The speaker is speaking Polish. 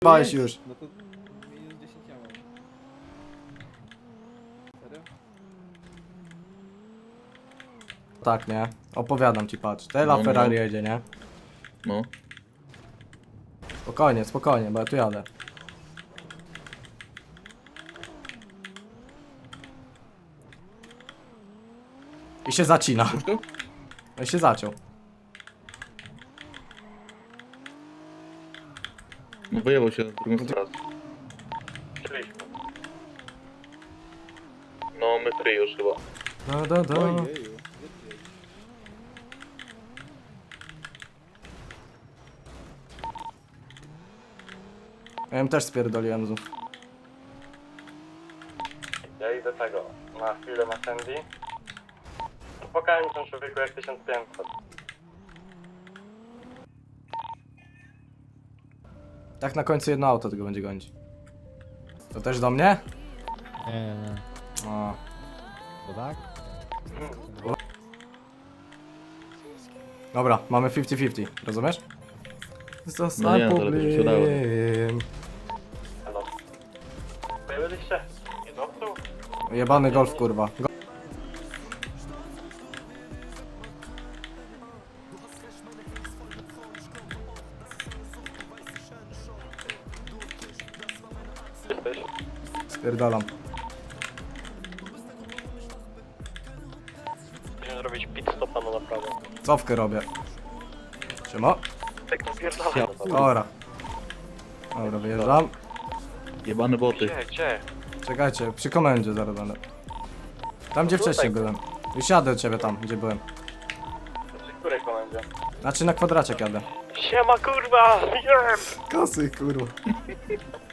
Bałeś już. No to minus 10 ja mam. Serio? Tak, nie? Opowiadam ci, patrz. Tela No. Ferrari jedzie, nie? No. Spokojnie, spokojnie, bo ja tu jadę. I się zacina. Wszystko? I się zaciął. No wyjebał się na drugą stronę. No my trzy już chyba. Ojeju. Ja im też spierdoliłem znów. Ja idę tego, na chwilę na Sandy. Pokałem ten człowieku jak 1500. Tak na końcu jedno auto tylko będzie gonić. To też do mnie? Nie. O. To tak? Dobra, mamy 50-50, rozumiesz? No nie, to lepiej by się dało. Hello. Byliście? Do tyłu? Jebany golf, kurwa. Jesteś? Spierdalam. Musimy zrobić pit stopa na naprawę. Cofkę robię. Siema. Tak napierdalaj. Dobra. Dobra, wyjeżdżam. Jebane boty. Gdzie? Czekajcie, przy komendzie zaraz będę. Tam gdzie wcześniej byłem. Już jadę do ciebie tam, gdzie byłem. Przy której komendzie? Znaczy na kwadraciek jadę. Siema kurwa! Wiem! Kasy, kurwa.